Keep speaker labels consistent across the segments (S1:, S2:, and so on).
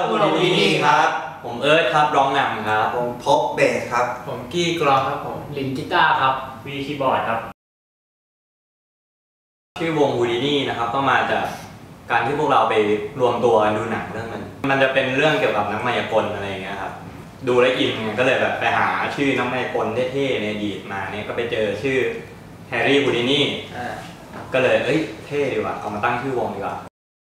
S1: บูดินี่ครับผมเอิร์ธครับร้องนำครับ
S2: ผมพบเบสครับ
S3: ผมกี้กลองครับผม
S4: ลินกีตาร์ครับ
S1: วีคีย์บอร์ดครับชื่อวงบูดินี่นะครับก็มาจากการที่พวกเราไปรวมตัวกันดูหนังเรื่องมันจะเป็นเรื่องเกี่ยวกับนักมายากลอะไรอย่างเงี้ยครับดูแล้วอินก็เลยแบบไปหาชื่อนักมายากลเท่ๆในอดีตมาเนี่ยก็ไปเจอชื่อแฮร์รี่บูดินี่ก็เลยเท่ดีว่ะเอามาตั้งชื่อวงดีกว่า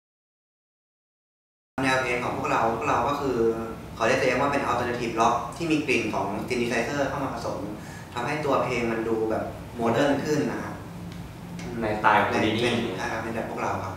S2: แนวเพลงของพวกเราก็คือเขาเรียกตัวเองว่าเป็น alternative rock ที่มีกลิ่นของ synthesizer เข้ามาผสมทำให้ตัวเพลงมันดูแบบโมเดิร์นขึ้นนะครับ
S1: ในสไตล์บูดินี่
S2: เป็นแบบพวกเราครับ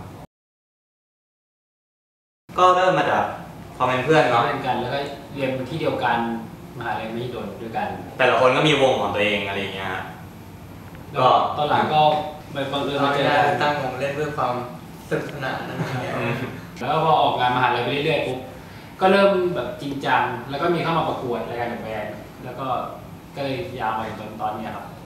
S1: ก็เริ่มมาจากความเป็นเพื่อนเนาะ
S4: เพื่อนกันแล้วก็เรียนที่เดียวกันมหาลัยมหิดลด้วยกัน
S1: แต่ละคนก็มีวงของตัวเองอะไรเงี้ย
S4: ก็ตอนหลังก็ไปบังเอิญมาเจอ
S3: ตั้งวงเล่นเพื่อความสนุกสนานนั่นเอง
S4: แล้วก็พอออกงานมหาลัยไปเรื่อยๆปุ๊บก็เริ่มแบบจริงจังแล้วก็มีเข้ามาประกวดรายการแบนด์แล้วก็เลยยาวมาจนตอนนี้ครับ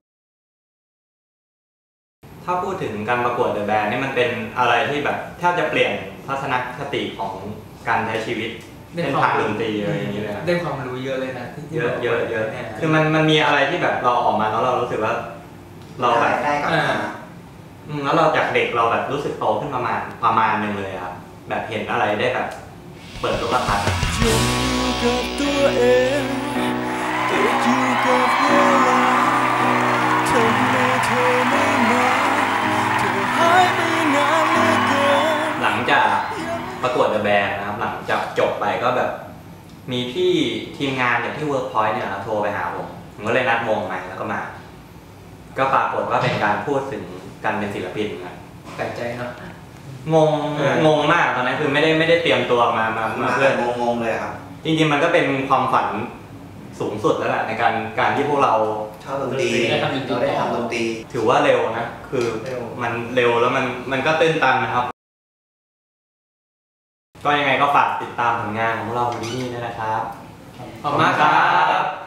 S1: ถ้าพูดถึงการประกวดเดอะแบนด์นี่มันเป็นอะไรที่แบบแทบจะเปลี่ยนทัศนคติของการใช้ชีวิตเส้นทางดนตรีอะไรอย่างนี้เลย
S3: ได้ความรู้เยอะเลยนะ
S1: เยอะคือมันมีอะไรที่แบบเราออกมาแล้วเรารู้สึกว่าเราแบบ
S2: ได้กับ
S1: แล้วเราจากเด็กเราแบบรู้สึกโตขึ้นประมาณนึงเลยครับแบบเห็นอะไรได้แบบเปิดโลกทัศน์
S5: อยู่กับตัวเองติดอยู่กับเวลาทำไมเธอไม่มาเธอหายไปนานเหลือเกิน
S1: หลังจากประกวดเดอะแบนด์นะครับหลังจากจบไปก็แบบมีพี่ทีมงานจากที่ Workpoint เนี่ยโทรไปหาผมก็เลยนัดวงมาแล้วก็มาก็ปรากฏว่าเป็นการพูดถึงการเป็นศิลปินครับ
S3: แปลกใจเนาะ
S1: งงมากตอนนั้นคือไม่ได้เตรียมตัวมาเพื่อน
S2: งงเลยครับ
S1: จริงๆมันก็เป็นความฝันสูงสุดแล้วแหละในการที่พวกเรา
S2: ชอบดนตรีเราได้ทำดนตรี
S1: ถือว่าเร็วนะคือมันเร็วแล้วมันก็ตื้นตันนะครับก็ยังไงก็ฝากติดตามผลงานของพวกเราที่นี่ด้วยนะครับ
S3: ขอบคุณมากครับ